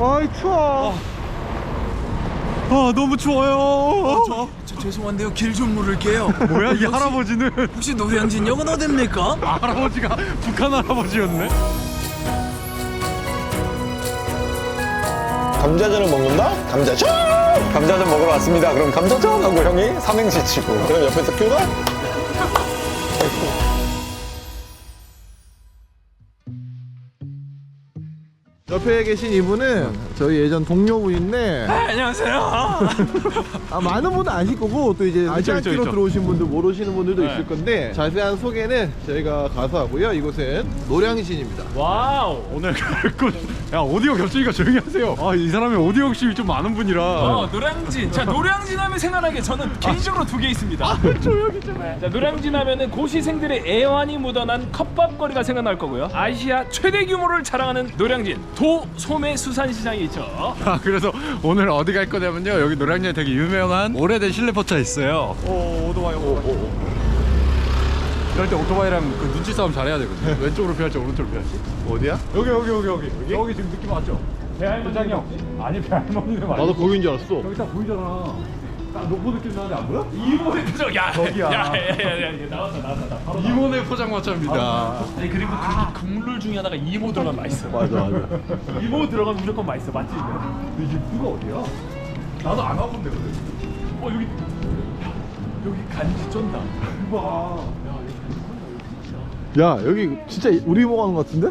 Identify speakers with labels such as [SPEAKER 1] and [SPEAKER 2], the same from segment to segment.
[SPEAKER 1] 아이 추워.
[SPEAKER 2] 아 너무 추워요.
[SPEAKER 3] 저 죄송한데요, 길 좀 물을게요.
[SPEAKER 2] 뭐야 이 할아버지는?
[SPEAKER 3] 혹시 노량진역은 어딥니까?
[SPEAKER 2] 할아버지가 북한 할아버지였네.
[SPEAKER 4] 감자전을 먹는다? 감자전! 감자전 먹으러 왔습니다. 그럼 감자전! 하고 형이 삼행시 치고. 그럼 옆에서 큐가?
[SPEAKER 1] 옆에 계신 이분은 저희 예전 동료분인데
[SPEAKER 3] 안녕하세요.
[SPEAKER 1] 많은 분은 아실 거고 또 이제 아시안키로
[SPEAKER 2] 있죠.
[SPEAKER 1] 들어오신 분들 모르시는 분들도
[SPEAKER 2] 네.
[SPEAKER 1] 있을 건데 자세한 소개는 저희가 가서 하고요. 이곳은 노량진입니다.
[SPEAKER 2] 와우 오늘 갈곳. 야 오디오 겹치니까 조용히 하세요. 아 이 사람이 오디오 욕심이 좀 많은 분이라.
[SPEAKER 5] 노량진. 자, 노량진 하면 생각나게 저는 개인적으로 두 개 있습니다.
[SPEAKER 2] 조용히 좀 해.
[SPEAKER 5] 자, 노량진 하면은 고시생들의 애환이 묻어난 컵밥거리가 생각날 거고요. 아시아 최대 규모를 자랑하는 노량진 도소매 수산시장이 있죠.
[SPEAKER 2] 아, 그래서 오늘 어디 갈 거냐면요. 여기 노량진에 되게 유명한 오래된 실내포차 있어요. 오 오토바이. 이럴 때 오토바이랑 그 눈치 싸움 잘해야 되거든요. 왼쪽으로 피할지 오른쪽으로 피할지.
[SPEAKER 1] 어디야?
[SPEAKER 2] 여기 지금 느낌 왔죠? 배할머니 형. 아니 배할머니는 맞아.
[SPEAKER 1] 나도 거긴 줄 알았어.
[SPEAKER 2] 여기 딱 보이잖아. 딱 노포 느낌 나는데 안 보여?
[SPEAKER 5] 이모의 표정. 야,
[SPEAKER 2] 저기야.
[SPEAKER 5] 야, 나왔다. 바로
[SPEAKER 2] 이모네 포장마차입니다.
[SPEAKER 5] 아니 그리고 그 국물 중에 하나가 이모 들어가면 맛있어.
[SPEAKER 1] 맞아.
[SPEAKER 5] 이모 들어가면 무조건 맛있어. 맞지?
[SPEAKER 2] 근데 이브가 어디야? 나도 안 와본 데거든.
[SPEAKER 5] 여기 간지 쩐다.
[SPEAKER 1] 야 여기 진짜 우리 보고 하는 것 같은데?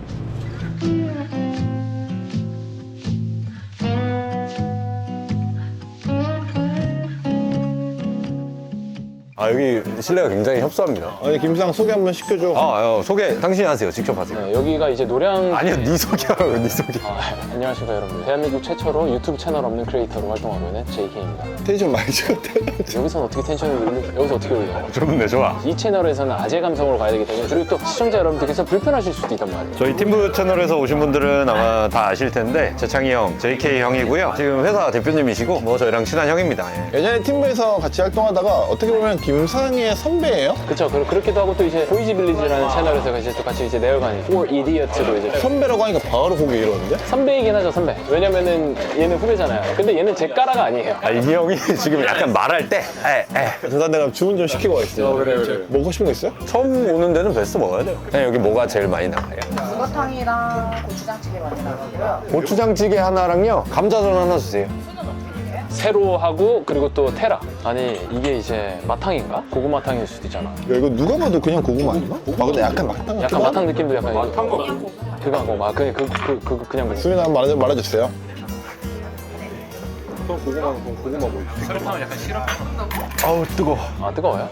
[SPEAKER 4] 아, 여기 실내가 굉장히 협소합니다.
[SPEAKER 1] 아니 김상 소개 한번 시켜줘.
[SPEAKER 4] 소개 당신이 하세요. 직접 하세요.
[SPEAKER 6] 네, 여기가 이제 노량.
[SPEAKER 4] 아니요, 네 소개하라고, 네 소개.
[SPEAKER 6] 안녕하십니까 여러분들. 대한민국 최초로 유튜브 채널 없는 크리에이터로 활동하고 있는 JK입니다.
[SPEAKER 4] 텐션 많이 찍었대.
[SPEAKER 6] 여기서는 어떻게 텐션을 올려? 여기서 어떻게 올려요?
[SPEAKER 4] 좋은데, 좋아.
[SPEAKER 6] 이 채널에서는 아재 감성으로 가야 되기 때문에 그리고 또 시청자 여러분들께서 불편하실 수도 있단 말이에요.
[SPEAKER 4] 저희 팀부 채널에서 오신 분들은 아마 다 아실 텐데 재창이 형, JK 형이고요. 지금 회사 대표님이시고 뭐 저희랑 친한 형입니다.
[SPEAKER 1] 예전에 팀부에서 같이 활동하다가 어떻게 보면 김상희의 선배예요?
[SPEAKER 6] 그렇죠. 그렇기도 하고 또 이제 보이지 빌리지라는 채널에서 이제 또 같이 이제 내열관 For Idiot로 이제
[SPEAKER 1] 선배라고 하니까 바로 고개 이러는데?
[SPEAKER 6] 선배이긴 하죠 선배. 왜냐면은 얘는 후배잖아요. 근데 얘는 제 까라가 아니에요.
[SPEAKER 4] 이 형이 지금 약간 말할 때
[SPEAKER 1] 일단 내가 주문 좀 시키고 가겠습니다.
[SPEAKER 6] 그래.
[SPEAKER 1] 먹고 싶은 거 있어요?
[SPEAKER 4] 처음 오는 데는 베스트 먹어야 돼요. 여기 뭐가 제일 많이 나가요?
[SPEAKER 7] 북어탕이랑 고추장찌개 많이 나가고요.
[SPEAKER 4] 고추장찌개 하나랑요. 감자전 하나 주세요.
[SPEAKER 6] 세로 하고 그리고 또 테라. 아니 이게 이제 마탕인가? 고구마탕일 수도 있잖아.
[SPEAKER 1] 야 이거 누가 봐도 그냥 고구마 아니야? 근데 약간 마탕 같기도
[SPEAKER 6] 약간 마탕 느낌도 약간 마탕 거 그거 하고 막 그냥 그냥
[SPEAKER 1] 수민아 한번 말해주세요.
[SPEAKER 4] 아우 뜨거.
[SPEAKER 6] 아 뜨거워요?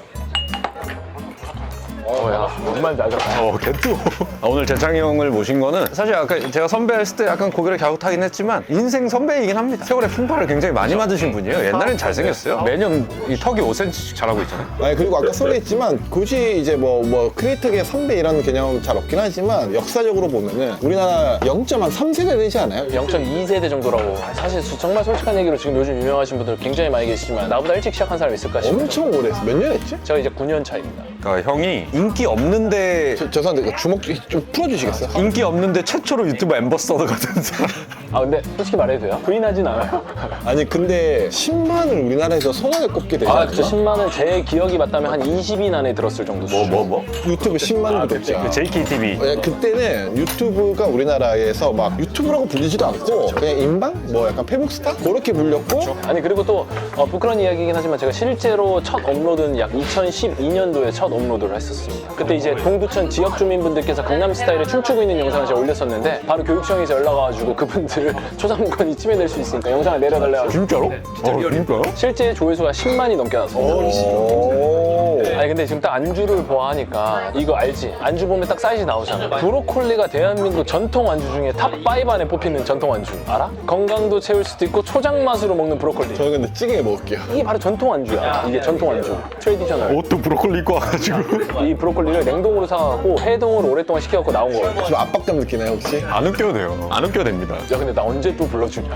[SPEAKER 6] 야 정말 날렵다.
[SPEAKER 4] 개뜨거. 오늘 재창이 형을 모신 거는 사실 아까 제가 선배했을 때 약간 고개를 갸웃하긴 했지만 인생 선배이긴 합니다. 세월의 풍파를 굉장히 많이 맞으신 분이에요. 옛날엔 잘생겼어요. 매년 이 턱이 5cm씩 자라고 있잖아요.
[SPEAKER 1] 아니 그리고 아까 소개했지만 굳이 이제 뭐 크리에이터계 선배 이런 개념 잘 없긴 하지만 역사적으로 보면은 우리나라 0.3세대 되지 않아요?
[SPEAKER 6] 0.2세대 정도라고. 사실 정말 솔직한 얘기로 지금 요즘 유명하신 분들 굉장히 많이 계시지만 나보다 일찍 시작한 사람이 있을까 싶어요.
[SPEAKER 1] 엄청 오래 했어. 몇 년 했지?
[SPEAKER 6] 제가 이제 9년 차입니다.
[SPEAKER 4] 그러니까 형이 인기 없는데
[SPEAKER 1] 죄송한데 주먹 좀 풀어주시겠어요?
[SPEAKER 4] 인기 없는데 최초로 유튜브 앰버서더 같은 사람.
[SPEAKER 6] 아 근데 솔직히 말해도 돼요? 부인하진 않아요.
[SPEAKER 1] 아니 근데 10만을 우리나라에서 손안에 꼽게 되지
[SPEAKER 6] 아
[SPEAKER 1] 않나?
[SPEAKER 6] 그쵸. 10만은 제 기억이 맞다면 한 20인 안에 들었을 정도.
[SPEAKER 4] 뭐?
[SPEAKER 1] 유튜브 10만 구독자.
[SPEAKER 4] 그 JKTV.
[SPEAKER 1] 그때는 유튜브가 우리나라에서 막 유튜브라고 불리지도 않고 그냥 인방? 뭐 약간 페북스타? 그렇게 불렸고
[SPEAKER 6] 아니 그리고 또 부끄러운 이야기이긴 하지만 제가 실제로 첫 업로드는 약 2012년도에 첫 업로드를 했었습니다. 그때 이제 동두천 지역 주민분들께서 강남스타일에 춤추고 있는 영상을 제가 올렸었는데 바로 교육청에서 연락 와가지고 그분들 초상권이 침해될 수 있으니까 영상을 내려달래가지고.
[SPEAKER 4] 진짜로? 진짜요?
[SPEAKER 6] 실제 조회수가 10만이 넘게 나왔습니다. 아니 근데 지금 딱 안주를 보아하니까 이거 알지? 안주 보면 딱 사이즈 나오잖아. 브로콜리가 대한민국 전통 안주 중에 탑5 안에 뽑히는 전통 안주 알아? 건강도 채울 수도 있고 초장 맛으로 먹는 브로콜리.
[SPEAKER 1] 저는 근데 찌개 먹을게요.
[SPEAKER 6] 이게 바로 전통 안주야. 이게 전통 안주. 트레디셔널.
[SPEAKER 4] 옷도 브로콜리 입고 와가지고.
[SPEAKER 6] 이 브로콜리를 냉동으로 사갖고 해동을 오랫동안 시켜갖고 나온 거거든.
[SPEAKER 1] 좀 압박감 느끼나요 혹시?
[SPEAKER 4] 안 웃겨도 돼요. 안 웃겨도 됩니다.
[SPEAKER 6] 야 근데 나 언제 또 불러주냐.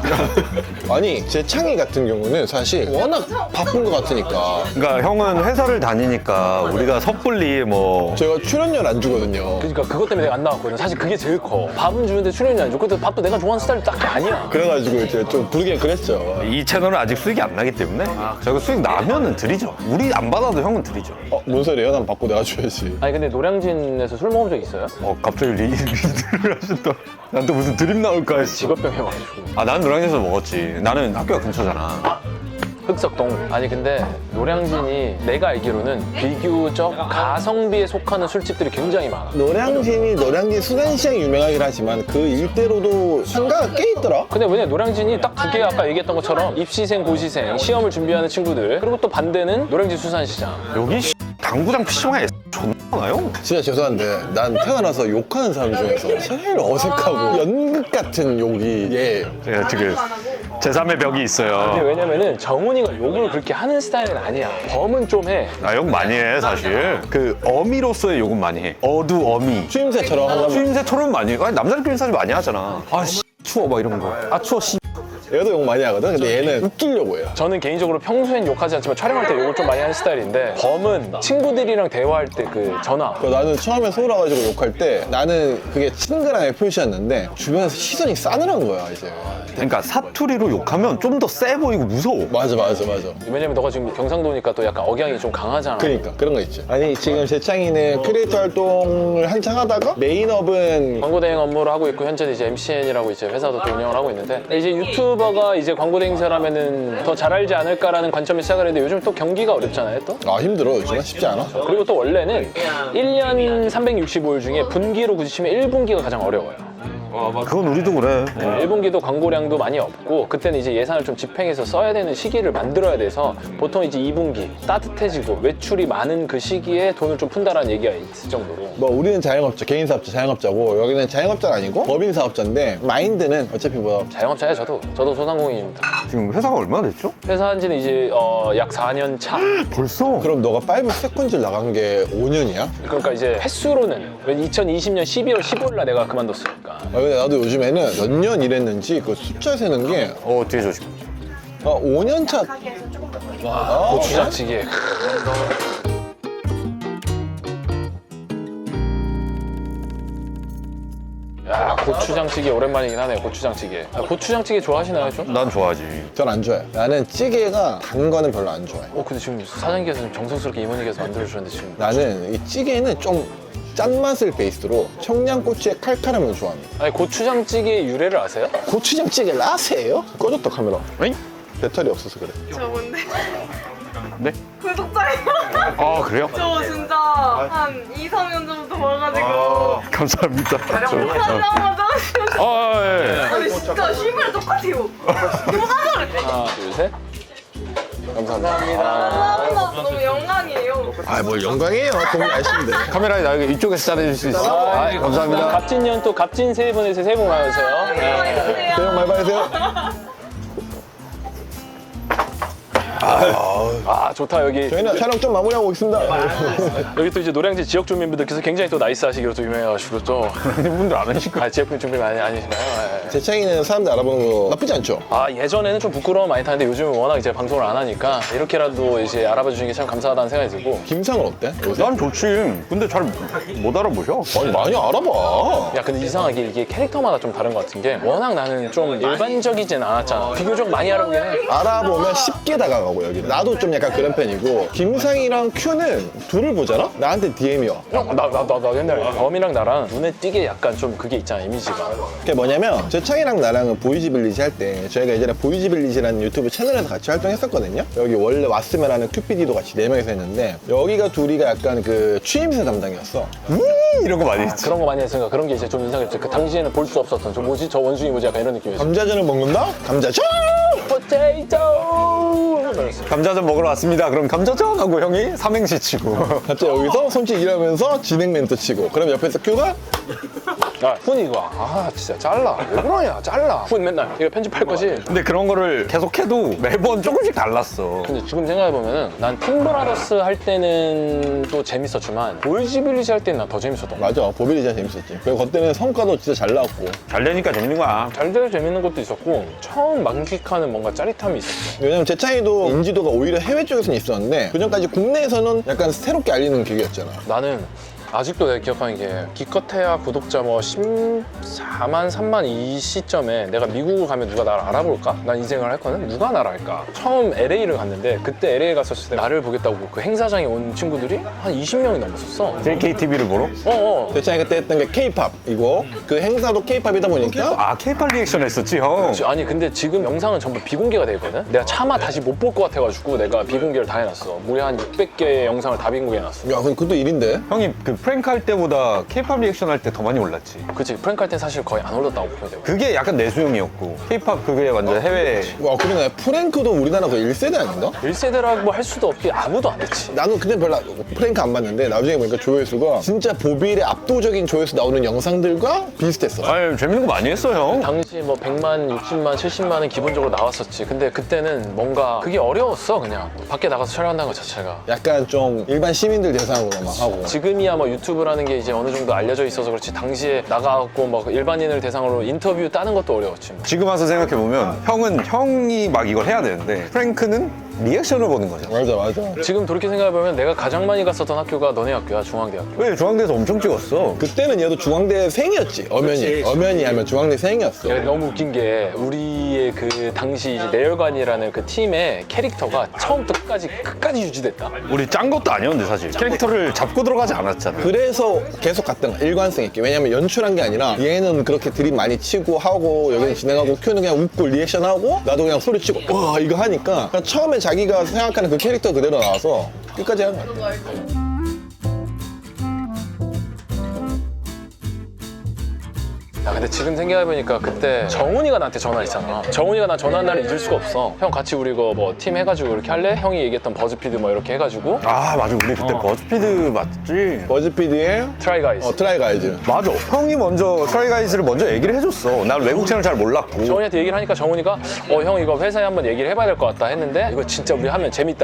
[SPEAKER 1] 아니 제 창희 같은 경우는 사실 워낙 바쁜 것 같으니까
[SPEAKER 4] 그러니까 형은 회사를 다니니까 하니까 우리가 섣불리 뭐
[SPEAKER 1] 제가 출연료를 안 주거든요.
[SPEAKER 6] 그러니까 그것 때문에 내가 안 나왔거든. 사실 그게 제일 커. 밥은 주는데 출연료 안 줘. 근데 밥도 내가 좋아하는 스타일이 딱히 아니야.
[SPEAKER 1] 그래가지고 이제 좀 부르긴 그랬죠.
[SPEAKER 4] 이 채널은 아직 수익이 안 나기 때문에 저희가 수익 나면은 드리죠. 우리 안 받아도 형은 드리죠.
[SPEAKER 1] 뭔 소리예요? 난 받고 내가 줘야지.
[SPEAKER 6] 아니 근데 노량진에서 술 먹은 적 있어요?
[SPEAKER 4] 갑자기 리드를 하셨다. 난 또 무슨 드림 나올까 했어.
[SPEAKER 6] 직업병해가지고.
[SPEAKER 4] 난 노량진에서 먹었지. 나는 학교가 근처잖아.
[SPEAKER 6] 흑석동. 아니 근데 노량진이 내가 알기로는 비교적 가성비에 속하는 술집들이 굉장히 많아.
[SPEAKER 1] 노량진 수산시장이 유명하긴 하지만 그 일대로도 상가가 꽤 있더라.
[SPEAKER 6] 근데 왜냐 노량진이 딱 두 개 아까 얘기했던 것처럼 입시생, 고시생, 시험을 준비하는 친구들 그리고 또 반대는 노량진 수산시장.
[SPEAKER 4] 여기 당구장 PC방에 존나 많아요.
[SPEAKER 1] 진짜 죄송한데 난 태어나서 욕하는 사람 중에서 제일 어색하고 연극 같은 욕이 얘예요.
[SPEAKER 4] 제가 지금 제3의 벽이 있어요.
[SPEAKER 6] 근데 왜냐면은 정훈이가 욕을 그렇게 하는 스타일은 아니야. 범은 좀 해.
[SPEAKER 4] 나 욕 많이 해 사실. 그 어미로서의 욕은 많이 해. 어미.
[SPEAKER 1] 추임새처럼 하면
[SPEAKER 4] 추임새 토론 많이 해. 아니 남자들끼리 사실 많이 하잖아. 추워 막 이런 거. 추워
[SPEAKER 1] 얘도 욕 많이 하거든. 근데 얘는 웃기려고 해요.
[SPEAKER 6] 저는 개인적으로 평소엔 욕하지 않지만 촬영할 때 욕을 좀 많이 하는 스타일인데 범은 친구들이랑 대화할 때 그 전화
[SPEAKER 1] 나는 처음에 서울 와가지고 욕할 때 나는 그게 친근함의 표시였는데 주변에서 시선이 싸늘한 거야 이제.
[SPEAKER 4] 그러니까 사투리로 욕하면 좀 더 세 보이고 무서워.
[SPEAKER 1] 맞아.
[SPEAKER 6] 왜냐면 너가 지금 경상도니까 또 약간 억양이 좀 강하잖아.
[SPEAKER 1] 그러니까 그런 거 있지. 아니 지금 재창이는 크리에이터 활동을 한창 하다가 메인업은
[SPEAKER 6] 광고 대행 업무를 하고 있고 현재 이제 MCN이라고 이제 회사도 또 운영을 하고 있는데 이제 유튜버가 이제 광고 대행사라면은 더 잘 알지 않을까라는 관점에 시작을 했는데 요즘 또 경기가 어렵잖아요 또.
[SPEAKER 1] 힘들어 요즘은 쉽지 않아.
[SPEAKER 6] 그리고 또 원래는 1년 365일 중에 분기로 굳이 치면 1분기가 가장 어려워요.
[SPEAKER 4] 그건 우리도 그래.
[SPEAKER 6] 1분기도 광고량도 많이 없고 그때는 이제 예산을 좀 집행해서 써야 되는 시기를 만들어야 돼서 보통 이제 2분기 따뜻해지고 외출이 많은 그 시기에 돈을 좀 푼다라는 얘기가 있을 정도로
[SPEAKER 1] 뭐 우리는 자영업자, 개인 사업자, 자영업자고 여기는 자영업자가 아니고 법인 사업자인데 마인드는 어차피 뭐
[SPEAKER 6] 자영업자예요 저도 소상공인입니다.
[SPEAKER 4] 지금 회사가 얼마나 됐죠?
[SPEAKER 6] 회사 한 지는 이제 약 4년 차.
[SPEAKER 4] 벌써?
[SPEAKER 1] 그럼 너가 5 세컨즈를 나간 게 5년이야?
[SPEAKER 6] 그러니까 이제 횟수로는 2020년 12월 15일 날 내가 그만뒀으니까.
[SPEAKER 1] 근데 나도 요즘에는 몇 년 일했는지 그 숫자 세는 게
[SPEAKER 4] 뒤에 조심.
[SPEAKER 1] 5년 차.
[SPEAKER 7] 가게에서 조금 더
[SPEAKER 6] 고추장찌개. 야 고추장찌개 오랜만이긴 하네. 고추장찌개. 고추장찌개 좋아하시나요 좀?
[SPEAKER 4] 난 좋아하지.
[SPEAKER 1] 전 안 좋아해. 나는 찌개가 단 거는 별로 안 좋아해.
[SPEAKER 6] 근데 지금 사장님께서 좀 정성스럽게 이모님께서 만들어주셨는데 지금
[SPEAKER 1] 나는 이 찌개는 좀 짠맛을 베이스로 청양고추의 칼칼함을 좋아합니다.
[SPEAKER 6] 아니 고추장찌개의 유래를 아세요?
[SPEAKER 1] 고추장찌개를 아세요? 꺼졌다 카메라.
[SPEAKER 4] 에잉?
[SPEAKER 1] 배터리 없어서 그래.
[SPEAKER 8] 저 뭔데?
[SPEAKER 4] 네?
[SPEAKER 8] 구독자예요.
[SPEAKER 4] 그래요?
[SPEAKER 8] 저 진짜 한 2, 3년 전부터 봐가지고
[SPEAKER 4] 감사합니다.
[SPEAKER 8] 하자마자
[SPEAKER 4] 예.
[SPEAKER 8] 아니 진짜 실물 똑같아요.
[SPEAKER 6] 하나 둘 셋. 감사합니다.
[SPEAKER 8] 감사합니다. 너무 영광이에요.
[SPEAKER 1] 뭘 영광이에요. 동네 아시는데.
[SPEAKER 4] 카메라에 나 이쪽에서 잘해줄 수 있어. 감사합니다.
[SPEAKER 6] 갑진년 또 갑진 새해 보내세요. 새해 복 많이 받으세요.
[SPEAKER 8] 안녕하세요.
[SPEAKER 1] 새해 복 많이 받으세요.
[SPEAKER 6] 좋다 여기.
[SPEAKER 1] 저희는 촬영 좀 마무리하고 있습니다.
[SPEAKER 6] 여기 또 이제 노량진 지역 주민분들께서 굉장히 또 나이스하시기로 또 유명해가지고 또
[SPEAKER 4] 분들 안 하실 거야.
[SPEAKER 6] 지역 주민 많이 아니시나요? 예.
[SPEAKER 1] 재창이는 사람들 알아보는 거 나쁘지 않죠?
[SPEAKER 6] 예전에는 좀 부끄러움 많이 타는데 요즘은 워낙 이제 방송을 안 하니까 이렇게라도 이제 알아봐 주시는 게 참 감사하다는 생각이 들고.
[SPEAKER 1] 김상은 어때? 요새?
[SPEAKER 4] 난 좋지. 근데 잘 못 알아보셔.
[SPEAKER 1] 아니 많이 알아봐.
[SPEAKER 6] 야 근데 이상하게 이게 캐릭터마다 좀 다른 것 같은 게 워낙 나는 좀 일반적이진 않았잖아. 비교적 많이 알아보긴 해.
[SPEAKER 1] 알아보면 쉽게 다가가고 여기. 나도 좀 약간 그런 편이고 김상이랑 큐는 둘을 보잖아? 나한테 DM이 와.
[SPEAKER 6] 나 옛날에 범이랑 나랑 눈에 띄게 약간 좀 그게 있잖아 이미지가.
[SPEAKER 1] 그게 뭐냐면 재창이랑 나랑은 보이지빌리지 할 때 저희가 예전에 보이지빌리지라는 유튜브 채널에서 같이 활동했었거든요. 여기 원래 왔으면 하는 큐피디도 같이 4명이서 했는데 여기가 둘이가 약간 그 취임새 담당이었어.
[SPEAKER 4] 이런 거 많이 했지.
[SPEAKER 6] 그런 거 많이 했으니까 그런 게 이제 좀 인상이 깊지. 그 당시에는 볼 수 없었던 저 뭐지? 저 원숭이 뭐지? 약간 이런 느낌이었어.
[SPEAKER 1] 감자전을 먹는다? 감자전!
[SPEAKER 6] 포테이토!
[SPEAKER 4] 감자전 먹으러 왔습니다. 그럼 감자전 하고 형이 삼행시 치고.
[SPEAKER 1] 갑자기 여기서 손짓 일하면서 진행 멘트 치고 그럼 옆에서 큐가
[SPEAKER 6] 야, 훈 이거. 진짜 잘라. 왜 그러냐, 잘라. 훈 맨날 이거 편집할 거지.
[SPEAKER 4] 근데 그런 거를 계속해도 매번 조금씩 달랐어.
[SPEAKER 6] 근데 지금 생각해보면은 난 팀브라더스 할 때는 또 재밌었지만 보이지빌리지 할 때는 난 더 재밌었던 거 같아.
[SPEAKER 1] 맞아, 보빌리지가 재밌었지. 그리고 그때는 성과도 진짜 잘 나왔고.
[SPEAKER 4] 잘 되니까 재밌는 거야.
[SPEAKER 6] 잘 돼서 재밌는 것도 있었고 처음 만끽하는 뭔가 짜릿함이 있었어.
[SPEAKER 1] 왜냐면 재창이도 인지도가 오히려 해외 쪽에서는 있었는데 그전까지 국내에서는 약간 새롭게 알리는 기획이었잖아.
[SPEAKER 6] 나는 아직도 내가 기억하는 게 기껏해야 구독자 뭐 14만, 3만 이 시점에 내가 미국을 가면 누가 나를 알아볼까? 난 인생을 했거든? 누가 나를 알까? 처음 LA를 갔는데 그때 LA 갔었을 때 나를 보겠다고 그 행사장에 온 친구들이 한 20명이 넘었었어.
[SPEAKER 4] JKTV를 보러?
[SPEAKER 1] 재창이 그때 했던 게 K-팝이고 그 행사도 K-팝이다 보니까
[SPEAKER 4] 아, K-팝 리액션 했었지, 형.
[SPEAKER 6] 아니 근데 지금 영상은 전부 비공개가 돼 있거든? 내가 차마 다시 못 볼 것 같아가지고 내가 비공개를 다 해놨어. 무려 한 600개의 영상을 다 비공개해놨어.
[SPEAKER 1] 야, 근데 그것도 일인데?
[SPEAKER 4] 형이 그 프랭크 할 때보다 K-팝 리액션 할 때 더 많이 올랐지.
[SPEAKER 6] 그치, 프랭크 할 땐 사실 거의 안 올랐다고 보면 되고.
[SPEAKER 4] 그게 약간 내수용이었고 K-팝 그게 완전 해외.
[SPEAKER 1] 와, 그러네. 프랭크도 우리나라 그 1세대 아닌가?
[SPEAKER 6] 1세대라고 할 수도 없기 아무도 안 됐지.
[SPEAKER 1] 나는 그때 별로 프랭크 안 봤는데 나중에 보니까 조회수가 진짜 보빌의 압도적인 조회수 나오는 영상들과 비슷했어.
[SPEAKER 4] 아니, 재밌는 거 많이 했어, 형.
[SPEAKER 6] 당시 뭐 100만, 60만, 70만은 기본적으로 나왔었지. 근데 그때는 뭔가 그게 어려웠어, 그냥. 밖에 나가서 촬영한다는 것 자체가.
[SPEAKER 1] 약간 좀 일반 시민들 대상으로 막 하고.
[SPEAKER 6] 지금이야 뭐 유튜브라는 게 이제 어느 정도 알려져 있어서 그렇지 당시에 나가갖고 뭐 일반인을 대상으로 인터뷰 따는 것도 어려웠지. 뭐.
[SPEAKER 4] 지금 와서 생각해보면 형이 막 이걸 해야 되는데 프랭크는 리액션을 보는 거죠.
[SPEAKER 1] 맞아.
[SPEAKER 6] 지금 돌이켜 생각해보면 내가 가장 많이 갔었던 학교가 너네 학교야, 중앙대학교.
[SPEAKER 4] 왜 중앙대에서 엄청 찍었어?
[SPEAKER 1] 그때는 얘도 중앙대생이었지. 엄연히 하면 중앙대생이었어.
[SPEAKER 6] 야, 너무 웃긴 게 우리의 그 당시 이제 내열관이라는 그 팀의 캐릭터가 처음부터 끝까지 유지됐다.
[SPEAKER 4] 우리 짠 것도 아니었는데 사실 캐릭터를 잡고 들어가지 않았잖아.
[SPEAKER 1] 그래서 계속 갔던 거야, 일관성 있게. 왜냐면 연출한 게 아니라 얘는 그렇게 드립 많이 치고 하고 여기는 진행하고 큐는 그냥 웃고 리액션하고 나도 그냥 소리 치고 와 이거 하니까 그냥 처음에 자기가 생각하는 그 캐릭터 그대로 나와서 끝까지 한 거야.
[SPEAKER 6] 야, 근데 지금 생각해보니까 그때 정훈이가 나한테 전화했잖아. 정훈이가 나 전화한 날을 잊을 수가 없어. 형 같이 우리 이거 뭐 팀 해가지고 이렇게 할래? 형이 얘기했던 버즈피드 뭐 이렇게 해가지고
[SPEAKER 4] 아 맞아, 우리 그때 버즈피드 맞지?
[SPEAKER 1] 버즈피드의
[SPEAKER 6] 트라이 가이즈.
[SPEAKER 1] 트라이 가이즈.
[SPEAKER 4] 맞아, 형이 먼저 트라이 가이즈를 먼저 얘기를 해줬어. 난 외국 채널 잘 몰랐고.
[SPEAKER 6] 정훈이한테 얘기를 하니까 정훈이가 형 이거 회사에 한번 얘기를 해봐야 될 것 같다 했는데 이거 진짜 우리 하면 재밌다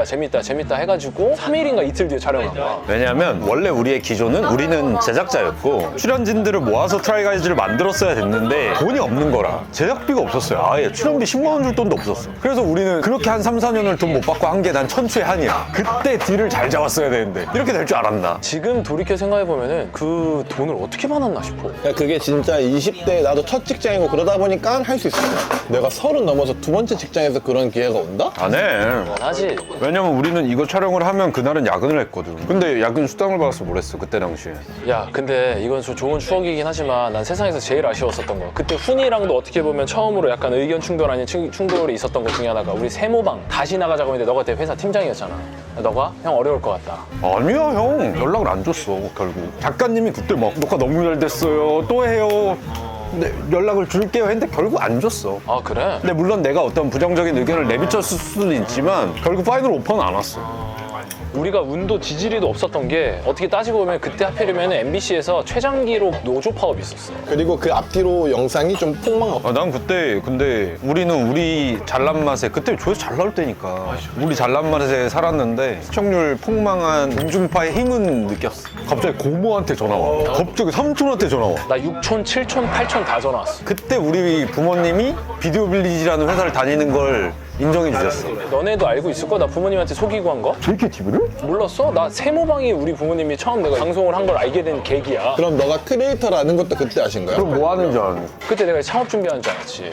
[SPEAKER 6] 해가지고 3일인가 이틀 뒤에 촬영한 거야.
[SPEAKER 4] 왜냐면 원래 우리의 기조는 우리는 제작자였고 출연진들을 모아서 트라이 가이즈를 만들었어야 됐는데 돈이 없는 거라 제작비가 없었어요. 아예 출연비 10만 원 줄 돈도 없었어. 그래서 우리는 그렇게 한 3, 4년을 돈 못 받고 한 게 난 천추의 한이야. 그때 딜을 잘 잡았어야 되는데 이렇게 될 줄 알았나.
[SPEAKER 6] 지금 돌이켜 생각해보면은 그 돈을 어떻게 받았나 싶어.
[SPEAKER 1] 그러니까 그게 진짜 20대 나도 첫 직장이고 그러다 보니까 할 수 있었어. 내가 30 넘어서 두 번째 직장에서 그런 기회가 온다?
[SPEAKER 4] 안 해.
[SPEAKER 6] 하지.
[SPEAKER 4] 왜냐면 우리는 이거 촬영을 하면 그날은 야근을 했거든. 근데 야근 수당을 받아서 뭘 했어 그때 당시에.
[SPEAKER 6] 야, 근데 이건 좀 좋은 추억이긴 하지만 난 세상에서 제일 아쉬웠었던 거. 그때 훈이랑도 어떻게 보면 처음으로 약간 의견 충돌 아닌 충돌이 있었던 것 중에 하나가 우리 세모방 다시 나가자고 했는데 너가 그때 회사 팀장이었잖아. 너가 형 어려울 것 같다.
[SPEAKER 4] 아니야, 형 연락을 안 줬어. 결국 작가님이 그때 막 녹화 너무 잘 됐어요 또 해요 근데 연락을 줄게요 했는데 결국 안 줬어.
[SPEAKER 6] 아, 그래?
[SPEAKER 4] 근데 물론 내가 어떤 부정적인 의견을 내비쳤을 수도 있지만 결국 파이널 오퍼는 안 왔어.
[SPEAKER 6] 우리가 운도 지지리도 없었던 게 어떻게 따지고 보면 그때 하필이면 MBC에서 최장기로 노조 파업이 있었어.
[SPEAKER 1] 그리고 그 앞뒤로 영상이 좀 폭망.
[SPEAKER 4] 난 그때 근데 우리는 우리 잘난 맛에 그때 조회수 잘 나올 때니까 우리 잘난 맛에 살았는데 시청률 폭망한 공중파의 힘은 느꼈어. 갑자기 고모한테 전화 와. 갑자기 삼촌한테 전화 와.
[SPEAKER 6] 나 6촌, 7촌, 8촌 다 전화 왔어.
[SPEAKER 4] 그때 우리 부모님이 비디오 빌리지라는 회사를 다니는 걸 인정해 주셨어.
[SPEAKER 6] 너네도 알고 있을 거야? 나 부모님한테 속이고 한 거?
[SPEAKER 4] JKTV를?
[SPEAKER 6] 몰랐어? 나 세모방이 우리 부모님이 처음 내가 방송을 한 걸 알게 된 계기야.
[SPEAKER 1] 그럼 너가 크리에이터라는 것도 그때 아신 거야?
[SPEAKER 4] 그럼 뭐 하는 줄 아는?
[SPEAKER 6] 그때 내가 창업 준비하는 줄 알았지.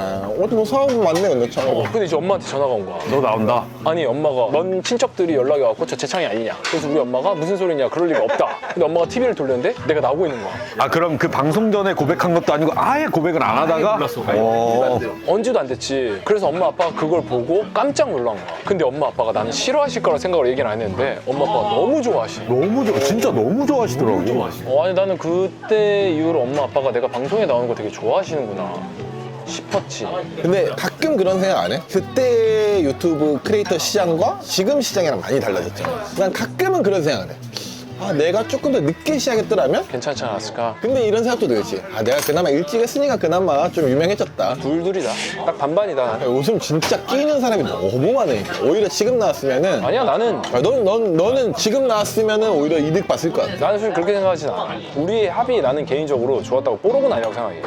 [SPEAKER 1] 뭐 사업은 맞네 근데 참.
[SPEAKER 6] 근데 이제 엄마한테 전화가 온 거야.
[SPEAKER 4] 너 나온다.
[SPEAKER 6] 아니 엄마가 먼 친척들이 연락이 왔고 저 재창이 아니냐. 그래서 우리 엄마가 무슨 소리냐, 그럴 리가 없다. 근데 엄마가 TV를 돌렸는데 내가 나오고 있는 거야.
[SPEAKER 4] 아 그럼 그 방송 전에 고백한 것도 아니고 아예 고백을 안 하다가? 몰랐어.
[SPEAKER 6] 언제도 안 됐지. 그래서 엄마 아빠가 그걸 보고 깜짝 놀란 거야. 근데 엄마 아빠가 나는 싫어하실 거라 생각을 얘기는 안 했는데 엄마 아빠가 너무 좋아하시.
[SPEAKER 4] 너무 좋아, 진짜 너무 좋아하시더라고.
[SPEAKER 6] 아니 나는 그때 이후로 엄마 아빠가 내가 방송에 나오는 거 되게 좋아하시는구나 싶었지.
[SPEAKER 1] 근데 가끔 그런 생각 안 해? 그때 유튜브 크리에이터 시장과 지금 시장이랑 많이 달라졌잖아. 난 가끔은 그런 생각을 해. 아 내가 조금 더 늦게 시작했더라면?
[SPEAKER 6] 괜찮지 않았을까?
[SPEAKER 1] 근데 이런 생각도 들지. 아 내가 그나마 일찍 했으니까 그나마 좀 유명해졌다.
[SPEAKER 6] 둘둘이다. 딱 반반이다.
[SPEAKER 1] 요즘 진짜 끼는 사람이 너무 많으니 오히려 지금 나왔으면은
[SPEAKER 6] 아니야, 나는
[SPEAKER 1] 너는 지금 나왔으면은 오히려 이득 봤을 것 같아.
[SPEAKER 6] 솔직히 그렇게 생각하진 않아. 우리의 합이 나는 개인적으로 좋았다고 뽀록은 아니라고 생각해.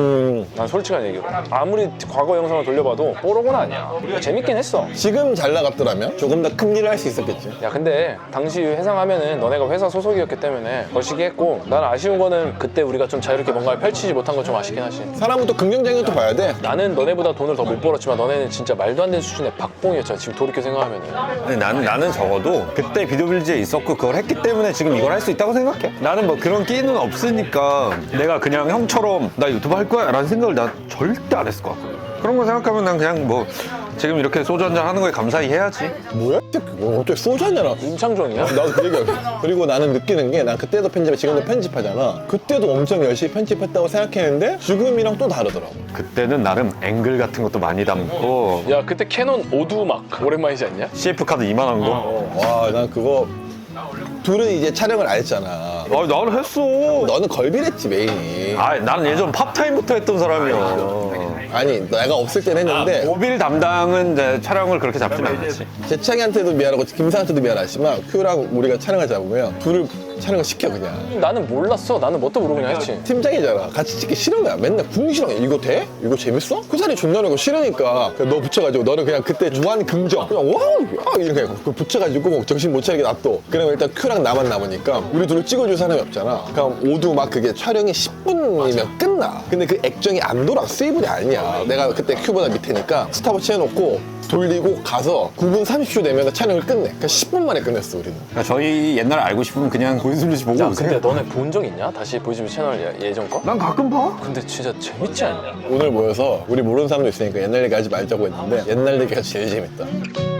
[SPEAKER 6] 난 솔직한 얘기로. 아무리 과거 영상을 돌려봐도 뽀록은 아니야. 재밌긴 했어.
[SPEAKER 1] 지금 잘 나갔더라면 조금 더 큰 일을 할 수 있었겠지.
[SPEAKER 6] 야, 근데 당시 회상하면은 너네가 회사 소속이었기 때문에 거시기 했고, 난 아쉬운 거는 그때 우리가 좀 자유롭게 뭔가를 펼치지 못한 건 좀 아쉽긴 하지.
[SPEAKER 1] 사람은 또 긍정적인 것도 봐야 돼.
[SPEAKER 6] 나는 너네보다 돈을 더 못 벌었지만 너네는 진짜 말도 안 되는 수준의 박봉이었잖아. 지금 돌이켜 생각하면은.
[SPEAKER 4] 아니, 나는 적어도 그때 비디오빌리지에 있었고 그걸 했기 때문에 지금 이걸 할 수 있다고 생각해. 나는 뭐 그런 끼는 없으니까 내가 그냥 형처럼 나 유튜브 할 거야 라는 생각을 난 절대 안 했을 것 같거든. 그런 거 생각하면 난 그냥 뭐 지금 이렇게 소주 한잔 하는 거에 감사히 해야지.
[SPEAKER 1] 뭐야? 그거 어떻게 소주 한잔
[SPEAKER 6] 임창정이야?
[SPEAKER 1] 나도 그 얘기야. 그리고 나는 느끼는 게 난 그때도 편집해 지금도 편집하잖아. 그때도 엄청 열심히 편집했다고 생각했는데 지금이랑 또 다르더라고.
[SPEAKER 4] 그때는 나름 앵글 같은 것도 많이 담고
[SPEAKER 6] 야, 그때 캐논 오두막 오랜만이지 않냐?
[SPEAKER 4] CF 카드 이만한 거.
[SPEAKER 1] 와, 난 그거 둘은 이제 촬영을 안 했잖아.
[SPEAKER 4] 아, 나는 했어.
[SPEAKER 1] 너는 걸비랬지 메인이.
[SPEAKER 4] 아, 나는 예전 팝타임부터 했던 사람이야.
[SPEAKER 1] 아니 내가 없을 땐 했는데
[SPEAKER 4] 모빌 담당은 이제 촬영을 그렇게 잡진 않았지.
[SPEAKER 1] 재창이한테도 미안하고 김상한테도 미안하지만 큐랑 우리가 촬영을 잡으면 둘을 촬영을 시켜 그냥.
[SPEAKER 6] 나는 몰랐어. 나는 뭣도 모르고 그냥 했지.
[SPEAKER 1] 팀장이잖아. 같이 찍기 싫은 거야. 맨날 궁시렁해. 이거 돼? 이거 재밌어? 그 자리 존나 내고 싫으니까 그냥 너 붙여가지고 너는 그냥 그때 무한 긍정 그냥 와우 야 이렇게 그 붙여가지고 뭐 정신 못 차리게 놔둬. 그러면 일단 큐랑 나만 남으니까 우리 둘을 찍어줄 사람이 없잖아. 그럼 오두 막 그게 촬영이 10분이면 끝나. 근데 그 액정이 안 돌아. 스위블이 아니야. 내가 그때 큐보다 밑에니까 스탑워치 해놓고 돌리고 가서 9분 30초 되면 촬영을 끝내. 그러니까 10분 만에 끝냈어 우리는.
[SPEAKER 4] 그러니까 저희 옛날 알고 싶으면 그냥 보이스블리지 보고
[SPEAKER 6] 야,
[SPEAKER 4] 오세요.
[SPEAKER 6] 근데 너네 본 적 있냐? 다시 보이즈비 채널 예전 거?
[SPEAKER 4] 난 가끔 봐.
[SPEAKER 6] 근데 진짜 재밌지 않냐?
[SPEAKER 1] 오늘 모여서 우리 모르는 사람도 있으니까 옛날 얘기 하지 말자고 했는데 옛날 얘기가 제일 재밌다.